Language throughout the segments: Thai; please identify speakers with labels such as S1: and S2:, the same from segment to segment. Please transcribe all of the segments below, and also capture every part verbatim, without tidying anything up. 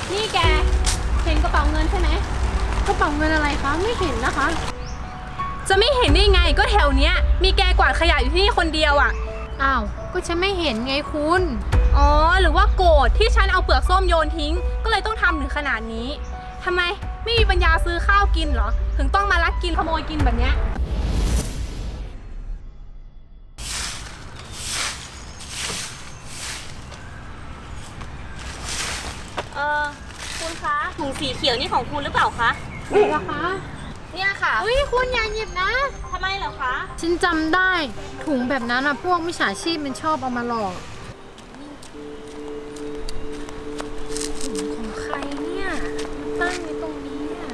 S1: นี่แกเห็นกระเป๋าเงินใช่ไหมกระเป๋าเงินอะไรคะไม่เห็นนะคะ
S2: จะไม่เห็นได้ไงก็แถวเนี้ยมีแกกวาดขยะอยู่ที่นี่คนเดียวอ่ะ
S1: อ้าวก็ฉันไม่เห็นไงคุณ
S2: อ๋อหรือว่าโกรธที่ฉันเอาเปลือกส้มโยนทิ้งก็เลยต้องทำถึงขนาดนี้ทำไมไม่มีปัญญาซื้อข้าวกินเหรอถึงต้องมาลักกินขโมยกินแบบเนี้ย
S3: เออคุณคะถุงสีเขียวนี่ของคุณหรือเปล่าคะ
S1: ไหนล่ะคะ
S3: เนี่ยค่ะ
S1: อุ้ยคุณอย่าหยิบนะ
S3: ทำไมเหรอคะ
S1: ฉันจำได้ถุงแบบนั้นอะพวกมิจฉาชีพมันชอบเอามาหลอกถุงของใครเนี่ยมาตั้งไว้ตรงนี้อะ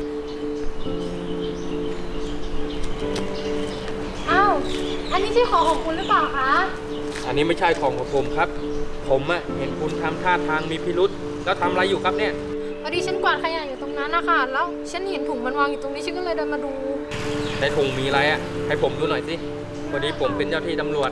S1: อ้าวอันนี้ใช่ของของคุณหรือเปล่าคะ
S4: อันนี้ไม่ใช่ของของผมครับผมอะเห็นคุณทำท่าทางมีพิรุษแล้วทำอะไรอยู่ครับเนี่ย
S1: พอดีฉันกวาดขยะอยู่ตรงนั้นนะคะแล้วฉันเห็นถุงมันวางอยู่ตรงนี้ฉันก็เลยเดินมาดู
S4: ในถุงมีอะไรอะให้ผมดูหน่อยสิพอดีผมเป็นเจ้าที่ตำรวจ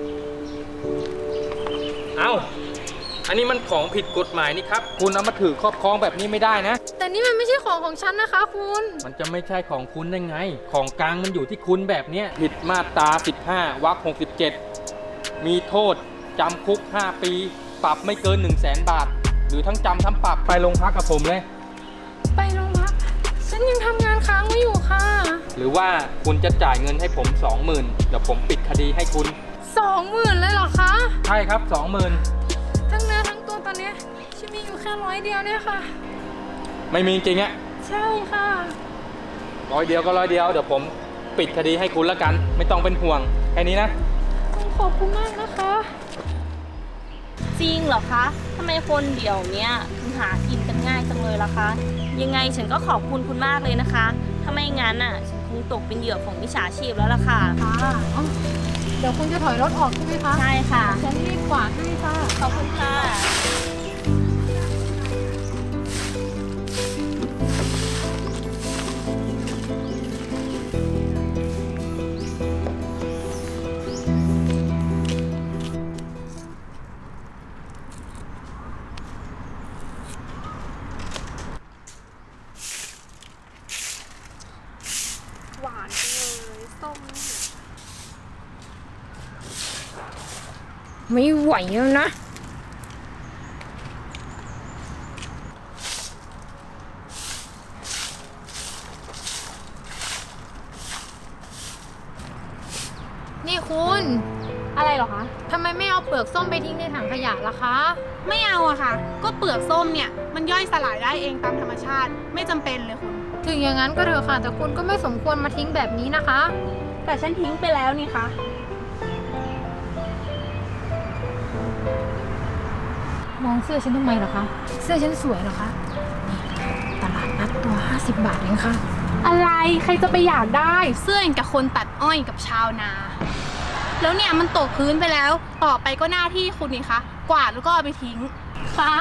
S4: เอ้าอันนี้มันของผิดกฎหมายนี่ครับคุณเอามาถือครอบครองแบบนี้ไม่ได้นะ
S1: แต่นี่มันไม่ใช่ของของฉันนะคะคุณ
S4: มันจะไม่ใช่ของคุณได้ไงของกลางมันอยู่ที่คุณแบบเนี้ยผิดมาตราสิบห้าวรรคหกสิบเจ็ดมีโทษจำคุกห้าปีปรับไม่เกิน หนึ่งแสน บาทหรือทั้งจำทั้งปรับไปโรงพักกับผมเลย
S1: ไปโรงพักฉันยังทำงานค้างไว้อยู่ค่ะ
S4: หรือว่าคุณจะจ่ายเงินให้ผม สองหมื่น เดี๋ยวผมปิดคดีให้คุณ
S1: สองหมื่น เลยเหรอคะ
S4: ใช่ครับ สองหมื่น
S1: ทั้งเนื้อทั้งตัวตอนนี้ฉันมีอยู่แค่ร้อยเดียวเนี่ยค่ะ
S4: ไม่มีจริงอะ
S1: ใช่ค่ะ
S4: ร้อยเดียวก็ร้อยเดียวเดี๋ยวผมปิดคดีให้คุณละกันไม่ต้องเป็นห่วงแค่นี้นะ
S1: ขอบคุณมากนะคะ
S3: จริงเหรอคะทำไมคนเดี๋ยวเนี้ยถึงหากินกันง่ายจังเลยล่ะคะยังไงฉันก็ขอบคุณคุณมากเลยนะคะถ้าไม่งั้นน่ะฉันคงตกเป็นเหยื่อของมิจฉาชีพแล้วล่ะค่ะ
S1: ค่ะเดี๋ยวคุณจะถอยรถออกใช่ไหมคะ
S3: ใช่ค่ะ
S1: ฉันรีบกวาดให้ค่ะ
S3: ขอบคุณค่ะ
S2: หวานจังเลยส้ม
S1: ไม่ไหวแล้วนะนี่คุณ
S2: อะไรเหรอคะ
S1: ทำไมไม่เอาเปลือกส้มไปทิ้งในถังขยะล่ะคะ
S2: ไม่เอาอะค่ะก็เปลือกส้มเนี่ยมันย่อยสลายได้เองตามธรรมชาติไม่จำเป็นเลยคุณ
S1: ถึงอย่างนั้นก็เถอะค่ะแต่คุณก็ไม่สมควรมาทิ้งแบบนี้นะคะ
S2: แต่ฉันทิ้งไปแล้วนี่คะ
S1: มองเสื้อฉันทำไมเหรอคะเสื้อฉันสวยเหรอคะตลาดนัดตัวห้าสิบบาทเองค่ะ
S2: อะไรใครจะไปอยากได้เสื้ออย่างกับคนตัดอ้อยกับชาวนาแล้วเนี่ยมันตกพื้นไปแล้วต่อไปก็หน้าที่คุณนี่คะกวาดแล้วก็เอาไปทิ้ง
S1: ฟ้า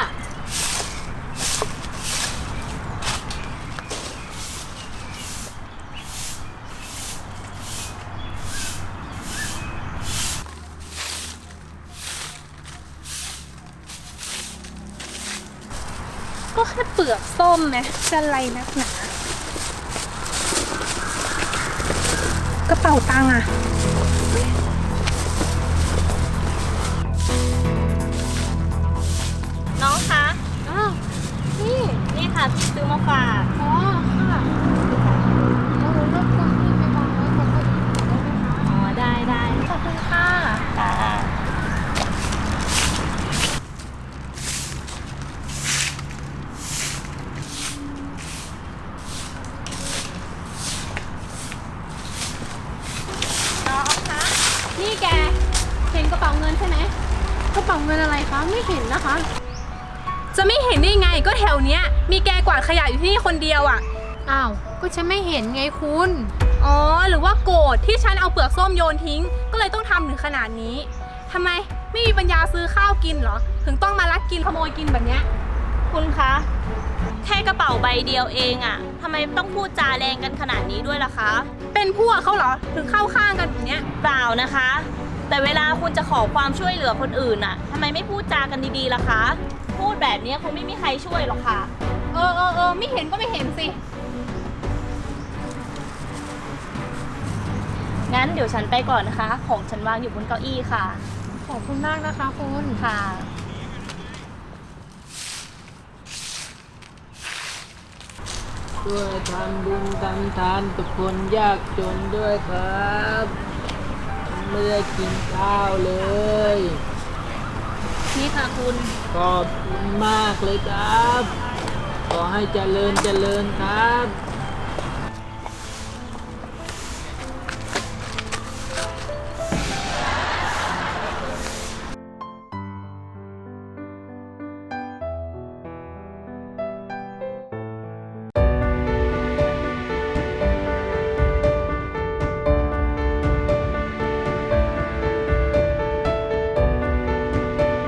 S2: ก็แค่เปลือกส้มนะจะอะไรนักหนากระเป๋าตังค์อะ
S3: น้องคะ
S1: อ้าวนี่
S3: นี่ค่ะพี่ซื้อมาฝาก
S1: อ๋อค่ะเอารบกวนพี่ไปวางไว้บนเก้าอี้ได้ไหมคะ
S3: อ๋อได้ได้
S1: ขอบคุณค่ะ
S3: ค่ะ
S1: นี่แกเห็นกระเป๋าเงินใช่ไหมกระเป๋าเงินอะไรคะไม่เห็นนะคะ
S2: จะไม่เห็นได้ไงก็แถวเนี้ยมีแกกวาดขยะอยู่ที่นี่คนเดียวอ่ะ
S1: อ้าวก็ฉันไม่เห็นไงคุณ
S2: อ๋อหรือว่าโกรธที่ฉันเอาเปลือกส้มโยนทิ้งก็เลยต้องทำถึงขนาดนี้ทำไมไม่มีปัญญาซื้อข้าวกินเหรอถึงต้องมาลักกินขโมยกินแบบเนี้ย
S3: คุณคะแค่กระเป๋าใบเดียวเองอะทำไมต้องพูดจาแรงกันขนาดนี้ด้วยล่ะคะ
S2: เป็นพวกเขาเหรอถึงเข้าข้างกันแบบเนี้ย
S3: เปล่านะคะแต่เวลาคุณจะขอความช่วยเหลือคนอื่นอะทำไมไม่พูดจากันดีๆล่ะคะพูดดแบบนี้คงไม่มีใครช่วยหรอกค่ะ
S2: เออเออเออไม่เห็นก็ไม่เห็นสิ
S3: งั้นเดี๋ยวฉันไปก่อนนะคะ ของฉันวางอยู่บนเก้าอี้ค่ะ
S1: ขอบคุณมากนะคะคุณ
S3: ค่ะ
S5: ช่วยทำบุญทำทานกับคนยากจนด้วยครับไม่ได้กินข้าวเลย
S3: นี่ค่ะคุณ
S5: ขอบคุณมากเลยครับ ขอให้เจริญเจริญครับ